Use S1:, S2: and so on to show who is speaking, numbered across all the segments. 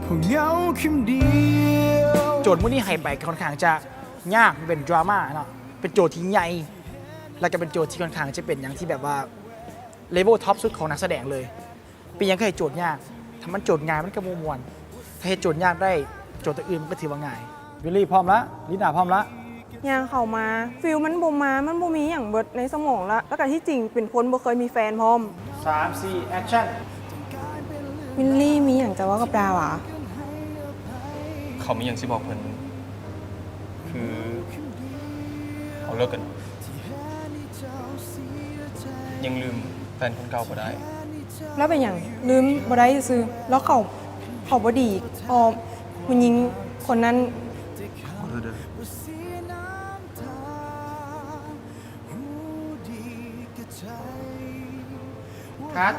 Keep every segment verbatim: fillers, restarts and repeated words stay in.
S1: เหงาคิมเดียวโจทย์มื้อนี้ให้ไปค่อนข้างจะยากเป็นดราม่าเนาะเป็นโจทย์ที่ใหญ่แล้วก็เป็นโจทย์ที่ค่อนข้างจะเป็นอย่างที่แบบว่าเลเวลท็อปสุดของนักแสดงเลยเป็นยังไงโจทย์ยากถ้ามันโจทย์ง่ายมันก็มวนถ้าให้โจทย์ยากได้โจทย์อื่นมันก็ถือว่าง่ายวิลลี่พร้อมละลิน่าพร้อมละ
S2: ยางเข้ามาฟิลมันบ่มามันบ่มีอย่างเบิดในสมองละแล้วก็ที่จริงเป็นคนบ่เคยมีแฟนพร้อม
S1: สามสี่แอคชั่น
S2: วิลลี่มีอย่างจะว่ากับดาวอ่ะ
S3: เขามีอย่างที่บอกเพิ่นคือเขาเลิกกัน ยังลืมแฟนคนเก่าบ่ได้
S2: แล้วเป็นอย่างลืมบ่ได้ซื้อแล้วเขาเขาบ่ดีพอมันยิงคนนั้น
S3: ขอโทษเด้อ
S1: คัด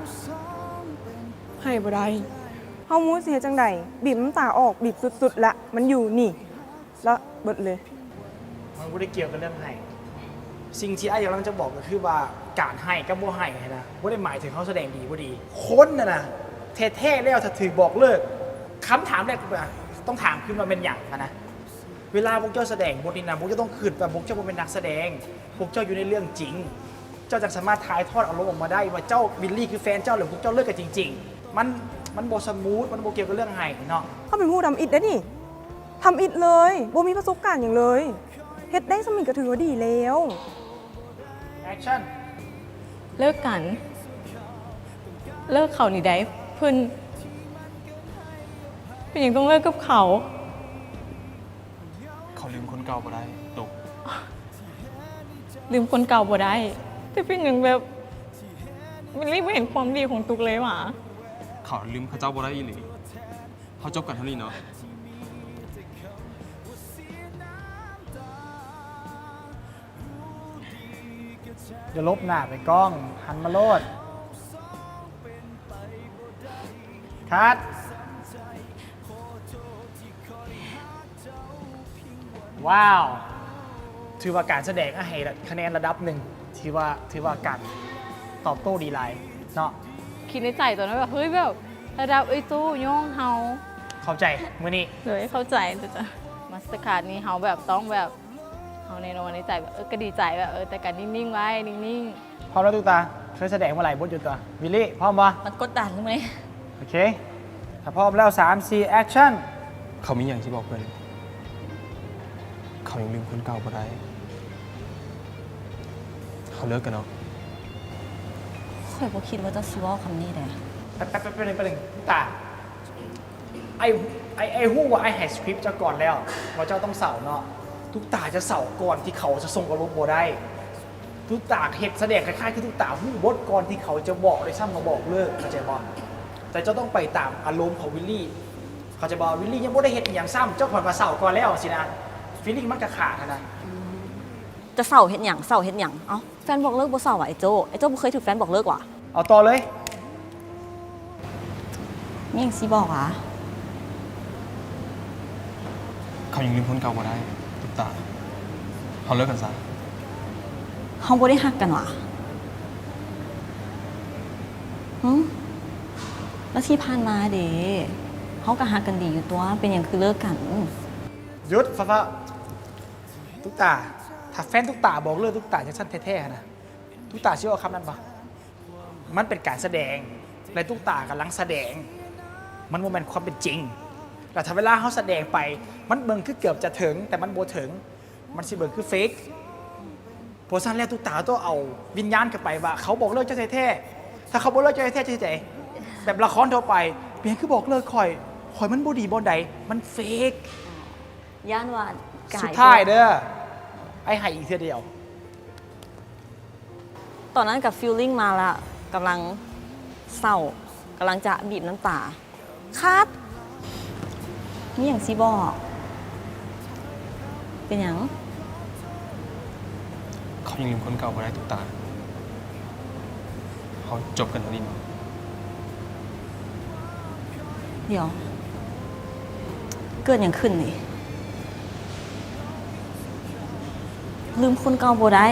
S2: ให้บ่ได้เฮามูสิเฮ็ดจังไดบีบน้ำตาออกบีบสุดๆละมันอยู่นี่แล้วเบิดเลย
S1: มันไม่ได้เกี่ยวกับเรื่องให้สิ่งที่ไอ้กำลังจะบอกก็คือว่าการให้กับบ่ให้นะไม่ได้หมายถึงเขาแสดงดีบ่ดีคนน่ะนะเท่ๆแล้วถ้าถือบอกเลิกคำถามแรกต้องถามขึ้นมาเป็นอย่างนะเวลาพวกเจ้าแสดงบทนี้นะพวกเจ้าต้องขึ้นแบบพวกเจ้าเป็นนักแสดงพวกเจ้าอยู่ในเรื่องจริง เจ้าจะสามารถถ่ายทอดอารมณ์ออกมาได้ว่าเจ้าบิลลี่คือแฟนเจ้าหรือพวกเจ้าเลิกกันจริงๆมันมันโบสมูทมันโบเกี่ยวกับเรื่องให้เนาะ
S2: เขาเป็นผู้ทำอิดได้นี่ทำอิดเลยบ่มีประสบการณ์อย่างเลยเฮ็ดได้สมิงก็ถือว่าดีแล้ว
S1: แอคชั่น
S4: เลิกกัน เลิกเขานี่ได้เพิ่นเป็นอย่างต้องเลิกกับเขา
S3: เขาลืมคนเก่าบ่ได้ตก
S4: ลืมคนเก่าบ่ได้ แต่เป็นอย่างแบบมันรีบไม่เห็นความดีของตุกเลยหว่ะ
S3: เขาลืมเขาเจ้าบ่ได้อีหลีเขาจบกันเท่านี้เนาะ
S1: จะลบหน้าไปกล้องหันมาโลดคัดว้าว ถือว่าการแสดงอะให้คะแนนระดับหนึ่งถือว่าถือว่าการตอบโต้ดีไลน์เนาะ
S4: คิดในใจตอนนั้นแบบเฮ้ยแบบระดับไอ้ตู้ย่องเฮา
S1: เข้าใจมื่อนี้
S4: เลยเข้าใจแต่จะมาสเตอร์การ์ดนี้เฮาแบบต้องแบบเฮาในนอนในใจแบบเออก็ดีใจแบบเออแต่การนิ่งๆไว้นิ่ง
S1: พร้อมแล้วตุ๊กตาเคยแสดงเมื่อไหร่บทอยู่ตัววิลลี่พร้อมปะ
S4: ๆมันกดดันใช่ไหม
S1: โอเคถ้าพร้อมแล้วสามสี่แอคชั่น
S3: เขามีอย่างที่บอกเพิ่นเขายังลืมคนเก่าบ่ได้เขาเลิกกันเนาะ
S5: ข่อยบ่คิดว่าจะสิเว้าคำนี้แหละ
S1: แป๊บแป๊บแป๊บนึงแป๊บนึงตุ๊กตาไอ้ไอ้ไอ้หู้ว่าไอ้แฮสคริปต์จะก่อนแล้วว่าเจ้าต้องเสาเนาะตุ๊กตาจะเสาก่อนที่เขาจะส่งอารมณ์โบได้ตุ๊กตาเห็ดแสดงคล้ายๆคือตุ๊กตาหู้บทก่อนที่เขาจะบอกเลยซ้ำมาบอกเลิกเข้าใจบ่แต่เจ้าต้องไปตามอารมณ์ของวิลลี่เขาจะบอกวิลลี่ยังไม่ได้เห็ดอหย่างซ้ำเจ้าผ่อนมาเสาก่อนแล้วสินะฟีลลิ่งมันกระขาดนะ
S5: จะเศร้าเฮ็ดหยังเศร้าเฮ็ดหยังเอ้าแฟนบอกเลิกบ่เศร้าว่ะไอ้โจไอ้โจบ่เคยถูกแฟนบอกเลิกว่ะ
S1: เอาต่อเลย
S5: มีหยังสิบอกอ่ะ
S3: เขายังลืมคนเก่าบ่ได้ตุ๊กตาเขาเลิกกันซะ
S5: เฮาบ่ได้ฮักกันว่ะหึแล้วที่ผ่านมาเด้เฮาก็ฮักกันดีอยู่ตัวเป็นหยังคือเลิกกัน
S1: หยุดฟ้าฟ้าตุ๊กตาถ้าแฟนตุ๊กตาบอกเลิกตุ๊กตาจะสั้นแท้ๆนะตุ๊กตาเชื่อว่าคำนั้นปะมันเป็นการแสดงและตุ๊กตากำลังแสดง มันโมเมนต์ความเป็นจริงแต่ถ้าเวลาเขาแสดงไป มันเบิ่งคือเกือบจะถึง แต่มันโบถึง มันสิเบิ่งคือเฟกโพสันแล้วตุ๊กตาต้องเอาวิญญาณกลับไปว่า เขาบอกเลิกเจ้าแท้ๆถ้าเขาบอกเลิกเจ้าแท้ๆจะใจแบบละครทั่วไปเพียงคือบอกเลิกคอยคอยมันบดีบอใดมันเฟก
S5: ย่านว่า
S1: สุดท้ายเด้อไอ้ไห้อีกเท่าเดียว
S5: ตอนนั้นกับฟีลลิ่งมาละกำลังเศร้ากำลังจะบีบน้ำตาคัดมีหยังสิบอกเป็นหยัง
S3: เขายังลืมคนเก่าบ่ได้ตุ๊กตาเขาจบกันเท่านี้เนาะ
S5: เดี๋ยว เกิดอย่างขึ้นนี่ลืมคนเก่าบ่ได้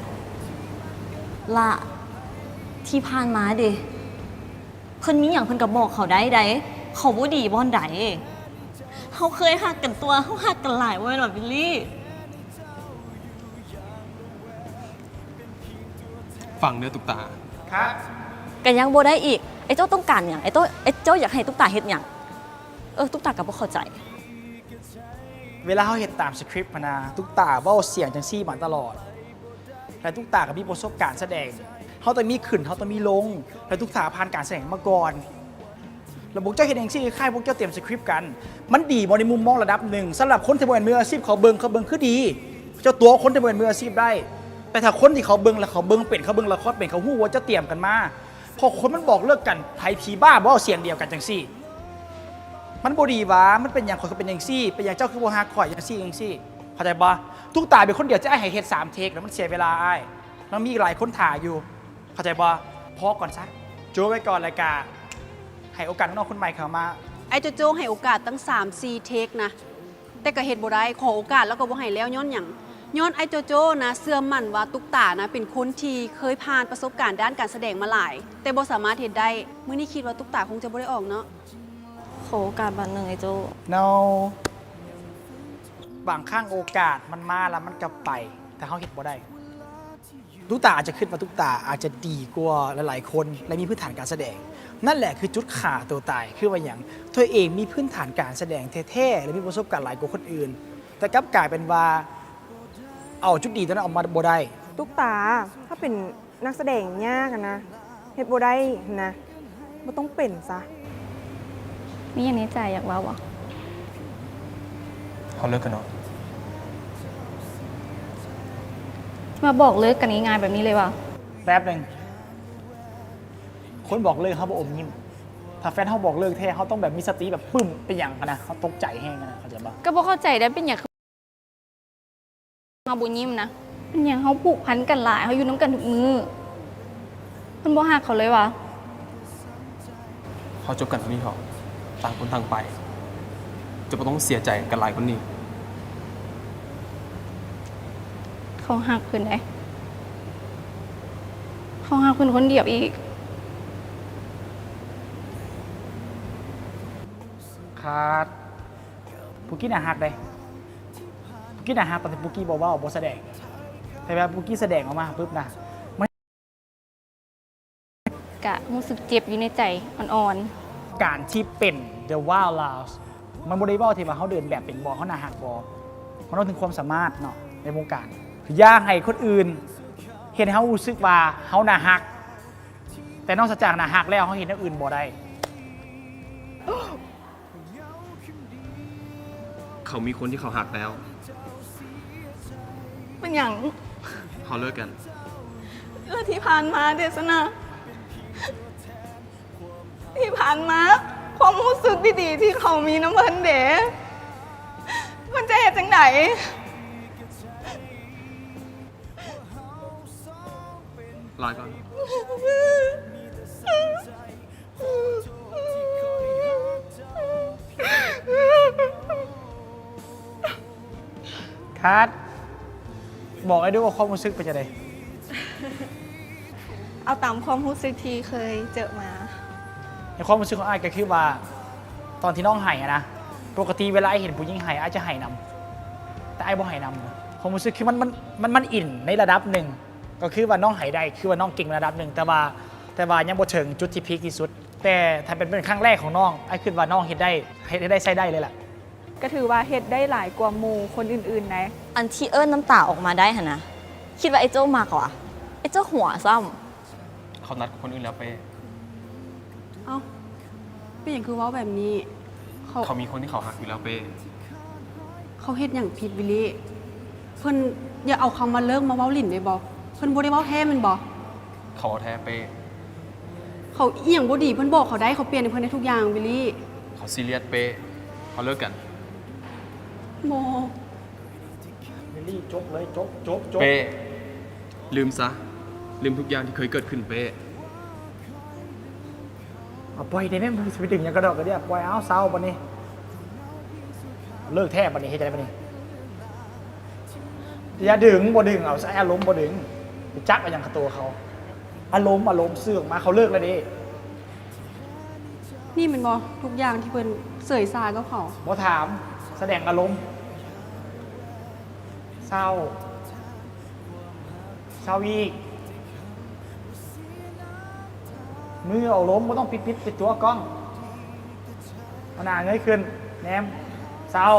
S5: ละที่ผ่านมาเด้เพิ่นมีอย่างเพิ่นก็บอกเขาได้ได้เขาบ่ดีบ่อนใดเขาเคยหักกันตัวเขาหักกันหลายเว้ยหรอบิลลี่
S3: ฟังเนื้อตุกตา
S1: ครับ
S5: กันยังบ่ได้อีกไอ้เจ้าต้องการอย่างไอ้เจ้าไอ้เจ้าอยากให้ตุ๊กตาเฮ็ดอย่างเออตุ๊กตากับบ่เข้าใจ
S1: เวลาเขาเห็นตามสคริปต์มานะตุ๊กตาเว่าเสียงจังซี่มาตลอดและตุ๊กตากับมีประสบการณ์แสดงเขาต้องมีขึ้นเขาต้องมีลงและตุ๊กตาผ่านการแสดงมาก่อนแล้วพวกเจ้าเห็นเองซี่ค่ายพวกเจ้าเตรียมสคริปต์กันมันดีบในมุมมองระดับหนึ่งสำหรับคนที่เป็นมืออาชีพเขาเบิงเขาเบิงคือดี เจ้าตัวคนที่เป็นมืออาชีพได้ แต่ถ้าคนที่เขาเบิงแล้วเขาเบิงเป็นเขาเบิงละครเป็นเขาหู้ว่าจะเตรียมกันมาพอคนมันบอกเลิกกันไทยผีบ้าบ่เอาเสียงเดียวกันจังซี่มันบ่ดีวะมันเป็นอย่างคนเขาเป็นอย่างซี่เป็นอย่างเจ้าคือบ่ฮักข่อยอย่างซี่อย่างซี่เข้าใจบ่ตุ๊กตาเป็นคนเดียวจะไอ้ให้เฮ็ดสามเทคแล้วมันเสียเวลาไอ้แล้วมีอีกหลายคนถ่ายอยู่เข้าใจบ่พอก่อนซะโจ้ไว้ก่อนรายการให้โอกาสน้องๆคนใหม่เข้ามา
S6: ไอ้โจโจ้ให้โอกาสตั้ง สามสี่ เทคนะ แต่ก็เฮ็ดบ่ได้ขอโอกาสแล้วก็บ่ให้แล้วย้อนหยังย้อนไอ้โจโจ้นะเสื่อมมั่นว่าตุ๊กตานะเป็นคนที่เคยผ่านประสบการณ์ด้านการแสดงมาหลาย แต่บ่สามารถเฮ็ดได้มื้อนี้คิดว่าตุ๊กตาคงจะบ่ได้ออกเนาะ
S5: ขอโอกาสบันหนึ่งไอ้โจ
S1: no บางครั้งโอกาสมันมาแล้วมันกลับไป แต่เขาเห็นบ่ได้ตุ๊กตาอาจจะขึ้นมาตุ๊กตาอาจจะดีกว่าหลายๆคนและมีพื้นฐานการแสดง นั่นแหละคือจุดขาตัวตายคือว่าอย่างตัวเองมีพื้นฐานการแสดงแท้ๆและมีประสบการณ์หลายกว่าคนอื่น แต่กลับกลายเป็นว่าเอาจุดดีตัวนั้นออกมาบ่ได้
S2: ตุ๊กตาถ้าเป็นนักแสดงยากอะนะเฮ็ดบ่ได้นะบ่ต้องเป็นซะ
S4: มีอย่างนี้ใจอยากเว้าบ่
S3: เขาเลิกกันเนาะ
S4: มาบอกเลิกกันง่ายๆแบบนี้เลยว่ะ
S1: แป๊บหนึ่งคนบอกเลิกเขาบอกอมยิ้มถ้าแฟนเขาบอกเลิกแท้เขาต้องแบบมีสติแบบปึ้มเป็นอย่างกันนะเขาตกใจแห้งนะเขาใจปะ
S4: ก็บ่เข้าใจได้เป็นอย่างเฮาบ่ยิ้มนะเป็นอย่างเฮาผูกพันกันหลายเฮาอยู่น้ำกันทุกมือมันบ่ฮักเขาเลยว่ะ
S3: เขาจบกันเท่านี้เขาต่างคนต่างไป จะไม่ต้องเสียใจกันหลายคนนี้
S4: เขาฮักเพิ่นได้เขาฮักเพิ่นคนเดียวอีก
S1: ขาดปุกกี้น่าฮักเลยปุกกี้น่าฮักแต่ปุกกี้บอกว่าบอแสดงแต่แบบปุกกี้แสดงออกมาปุ๊บนะ
S4: กะรู้สึกเจ็บอยู่ในใจอ่อน
S1: การที่เป็น The Wild Lounge มันบริบอลที่ว่าเขาเดินแบบเป็นบอเขาน่าฮักบอมันต้องถึงความสามารถเนาะในวงการอย่าให้คนอื่น เห็นเขารู้สึกว่าเขาน่าฮัก แต่นอกจากน่าฮักแล้วเขาเห็นอย่างอื่นบอได้
S3: เขามีคนที่เขาหักแล้ว
S4: ๆมันอย่าง
S3: เขาเลิกกัน
S4: เรื่องที่ผ่านมาเดชนะที่ผ่านมาความรู้สึกดีๆที่เขามีน้ำเพิ่นเด๋มันจะเหตุจังไหน
S3: ลาก่อน
S1: คัดบอกไอ้ด้วยว่าความรู้สึกเป็นยังไง
S7: เอาตามความรู้สึกที่เคยเจอมา
S1: ในความรู้สึกของไอ้ก็คือว่าตอนที่น้องไห้อะนะปกติเวลาไอ้เห็นผู้หญิงไห้ไอ้จะไห้นำแต่ไอ้บ่ไห้นำนะความรู้สึกคือมันมันมันมันอินในระดับหนึ่งก็คือว่าน้องไห้ได้คือว่าน้องเก่งในระดับหนึ่งแต่ว่าแต่ว่ายังบ่ถึงจุดที่พีคที่สุด แต่ถ้าเป็นเป็นครั้งแรกของน้องไอ้คิดว่าน้องเห็นได้เห็นได้ใช้ได้เลยแหละ
S7: ก็ถือว่าเฮ็ดได้หลายกว่าหมู่คนอื่นๆนะ
S5: อันที่เอิ้นน้ำตาออกมาได้หะนะคิดว่าไอ้โจ้มากกว่าไอ้โจ้หัวซ้ำ
S3: เขานัดกับคนอื่นแล้วไป
S6: เอ้าเป็นหยังคือเว้าแบบนี้ เขา
S3: เขามีคนที่เขาหักอยู่แล้วไป
S6: เขาเฮ็ดหยังผิดวิลลี่เพิ่นอย่าเอาคำมาเลิกมาเว้าลิ้นได้บ่เพิ่นบ่ได้เว้าแท้แม่นบ่
S3: เขาเอาแท้ไป
S6: เขาอีหยังบ่ดีเพิ่นบอกเขาได้เขาเปลี่ยนให้เพิ่นได้ทุกอย่างวิลลี่
S3: เขาซีเรียสไป เขาเลิกกัน
S6: โม
S1: เมลี่จบเลยจบจบจบ
S3: เป้ลืมซะ ลืมทุกอย่างที่เคยเกิดขึ้นเป้
S1: เอาปล่อยได้ไหมมึงจะไปดึงอย่างกระดอกกระเดียปล่อยเอาเศร้าปะนี่เลิกแทบปะนี่เฮ็ดจะได้ปะนี่อย่าดึงบ่ดึงเอาใช้อารมณ์บ่ดึงไปจักไปอย่างกับตัวเขา อารมณ์อารมณ์เสื่อมมาเขาเลิกแล้วดิ
S6: นี่แมันบ่ทุกอย่างที่เพิ่นเสยซากับเขา
S1: บ่ถามแสดงอารมณ์เศร้าเศร้าอีกมือเอาล้มก็ต้องปิดปิดปิดตัวกล้องเอาหน้าเงยขึ้นแนมเศร้า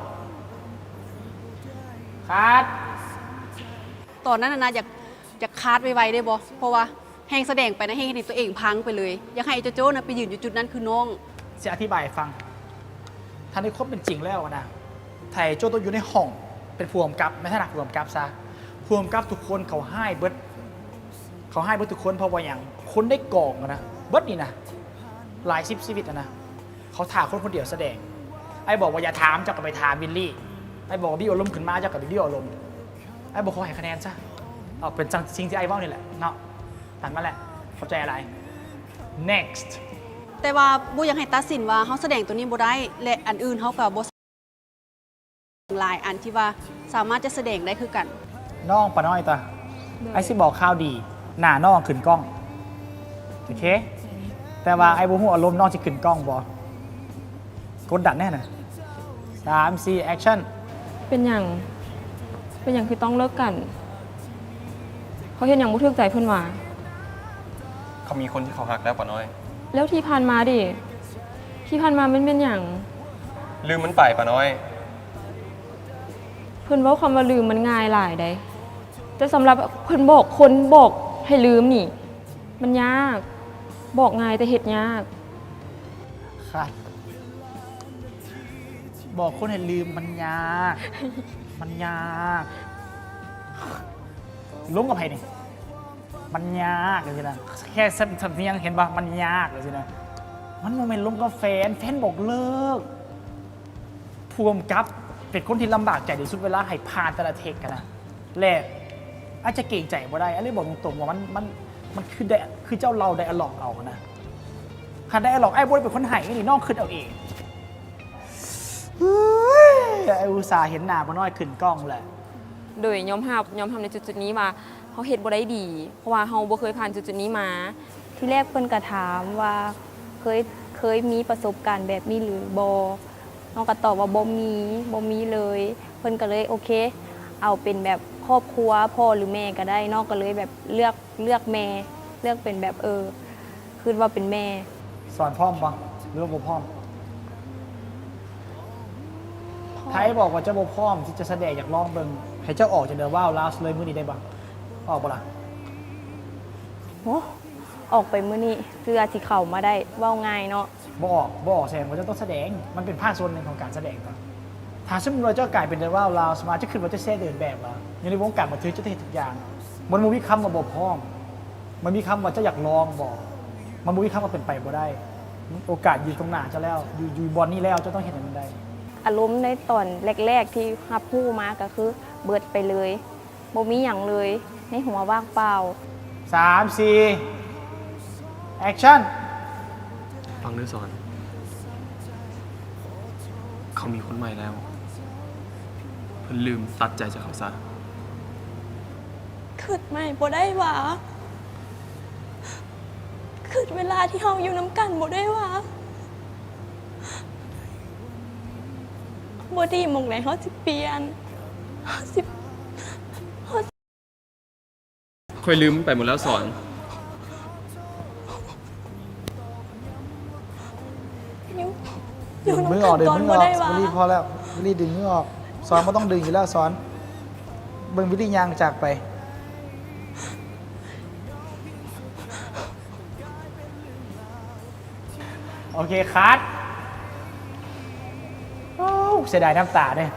S1: คัด
S6: ตอนนั้นน่ะนะอยากอยากคาดไวๆได้บ่เพราะว่าแฮงแสดงไปนะแฮงเห็นตัวเองพังไปเลย อยากให้ไอ้โจโจ้นะไปยืนอยู่จุดนั้นคือน้อง
S1: จะอธิบายให้ฟังท่านในครบเป็นจริงแล้วนะไทยโจต้องอยู่ในห้องเป็นผู้กำกับไม่ใช่หนักผู้กำกับซะผู้กำกับทุกคนเขาให้เบิดเขาให้เบิดทุกคนเพราะว่าอย่างคนได้กองอะนะเบิดนี่นะหลายสิบชีวิตอะนะเขาถามคนคนเดียวแสดงไอ้บอกว่าอย่าถามเจ้าก็ไปถามวิลลี่ไอ้บอกว่าบี้อารมณ์ขึ้นมาเจ้าก็ไปบี้อารมณ์ไอ้บอกเขาให้คะแนนซะเอาเป็นจังสิ่งที่ไอ้เว่านี่แหละเนาะตัดมาแหละเข้าใจอะไร next
S6: แต่ว่าบ่อยากให้ตัดสินว่าเฮาแสดงตัวนี้บ่ได้และอันอื่นเฮาก็บ่หลายอันที่ว่าสามารถจะแสดงได้คือกัน
S1: น้องปะน้อยตาไอ้สิบอกข่าวดี หน้าน้องขึ้นกล้อง โอเค แต่ว่าไอ้บุหัวอารมณ์น้องจะขึ้นกล้องบ่กดดันแน่น่ะสามสี่แอคชั่น
S2: เป็นอย่างเป็นอย่างคือต้องเลิกกัน เขาเห็นอย่างมุทึกใจเพื่อนว่า
S3: เขามีคนที่เขาหักแล้วปะน้อย
S2: แล้วที่ผ่านมาดิที่ผ่านมามันเป็นอย่าง
S3: ลืมมันไปปะน้อย
S2: เพื่อนเว่าคำว่าลืมมันง่ายหลายได้แต่สำหรับเพื่อนบอกคนบอกให้ลืมนี่ มันยาก บอกง่ายแต่เหตุยาก
S1: ครับบอกคนให้ลืมมันยาก มันยากล้มกับใครนี่มันยากเลยสินะแค่สำเนียงเห็นปะมันยากเลยสินะมันโมเมนต์ล้มกับแฟนแฟนบอกเลิกพวมกับเป็นคนที่ลำบากใจที่สุดเวลาให้ผ่านแต่ละเทคกันนะแรกอาจจะเก่งใจบ่ได้อะไรบอกตรงๆว่ามันมันมันคือได้คือเจ้าเราไดอะล็อกเอานะคันไดอะล็อกไอ้บอยเป็นคนไห้นี่น้องขึ้นเอาเองเฮ้ยไอ้อุตส่าห์เห็นหน้าบ่น้อยขึ้นกล้องแหละ
S2: โดยยอมรับยอมทำในจุดๆนี้มาเขาเฮ็ดบ่ได้ดี เพราะว่าเขาบ่เคยผ่านจุดๆนี้มา
S8: ที่แรกเพิ่นก็ถามว่าเคยเคยมีประสบการณ์แบบนี้หรือบ่น้องก็ตอบว่าบ่มีบ่มีเลย เพิ่นก็เลยโอเค เอาเป็นแบบครอบครัวพ่อหรือแม่ก็ได้น้องก็เลยแบบเลือกเลือกแม่ เลือกเป็นแบบเออคือว่าเป็นแม่
S1: สอนพร้อมปะหรือว่าบ่พร้อมไทยบอกว่าเจ้าบ่พร้อมที่จะแสดงอยากลองเบิ่งให้เจ้าออกจากเดอะว้าวลาสเลยมื้อนี้ได้บ่ออกบ่ล่ะ
S8: โอ้ออกไปมื้อนี้เพื่อสิเข้ามาได้เว้าง่ายเนาะ
S1: บ่ออกบ่ออกแสดงว่าเจ้าต้องแสดงมันเป็นภาคส่วนหนึ่งของการแสดงต่อถ้าสมมติว่าเจ้ากลายเป็นเดอะว้าวลาสมาจะขึ้นว่าจะแสดงเดินแบบว่าอยู่ในวงการบันเทิงจะได้เห็นทุกอย่างมันบ่มีคำว่าบ่พร้อมมันมีคำว่าเจ้าอยากลองบ่มันบ่มีคำว่าเป็นไปบ่ได้ โอกาสอยู่ตรงหน้าเจ้าแล้วอยู่อยู่บอลนี่แล้วเจ้าต้องเห็นให้มันได้
S8: อารมณ์ในตอนแรก ๆ ที่รับรู้มาก็คือเบิดไปเลยบ่มีหยังเลยในหัวว่างเปล่า
S1: สามสี่แอคชั่น
S3: ฟังเนื้อสอน เขามีคนใหม่แล้ว เพิ่นลืมตัดใจจากเขาซะ
S9: ขึ้นไม่บ่ได้หวะขึ้นเวลาที่เฮาอยู่น้ำกันบ่ได้หวะบ่ดีหมองไหนเฮาสิเปลี่ยนเฮาสิ
S3: ค่อยลืมมันไปหมดแล้วสอน
S9: อยู่อ
S1: ดึ
S9: ยู่
S1: งมือ
S9: น้ำ
S1: ออกดึง
S9: กันก่อน
S1: มือ
S9: บ่
S1: ออก
S9: ได้หวะ
S1: วิลลี่พอแล้ววิลลี่ดึงมือออกสอนไม่ต้องดึงอยู่แล้วสอนเบิ่งวิลลี่ยางจากไป โอเคคัดโอ้เสียดายน้ำตาเนี่ย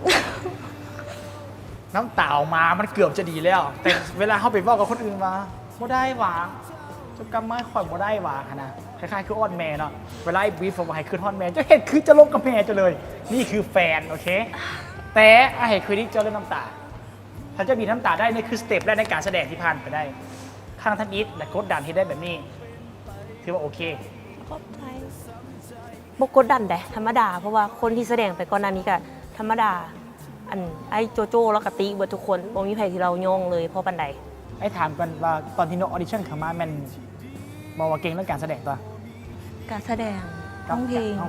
S1: น้ำตาออกมามันเกือบจะดีแล้ว แต่เวลาเขาไปบอกกับคนอื่นมาบ่ได้หวาจะกำไม้ข่อยบ่ได้หวาขนาดคล้ายๆคืออ้อนแม่เนาะเวลาไอ้บีฟมาให้ขึ้นฮอนแม่จะเห็นคือจะลงกับแม่จะเลย นี่คือแฟนโอเค แต่ไอ้เห็นคือที่เจ้าเล่นน้ำตา ถ้าจะมีน้ำตาได้นี่คือสเต็ปแรกในการแสดงที่ผ่านไปได้ข้างท่านอีทและกดดันที่ได้แบบนี้ถือว่าโอเค
S9: ขอบใจ
S5: บกกดดันแต่ธรรมดา เพราะว่าคนที่แสดงไปก่อนหน้านี้ก็ธรรมดา อันไอ้โจโจ้แล้วก็ติเบิดทุกคนบ่มีใครที่เราโยงเลยเพราะปันใด
S1: ไอ้ถามกันว่าตอนที่นกออดิชั่นเข้ามาแมันบอกว่าเก่งเรื่องการแสดงตัว
S5: การแสดงร้องเพลง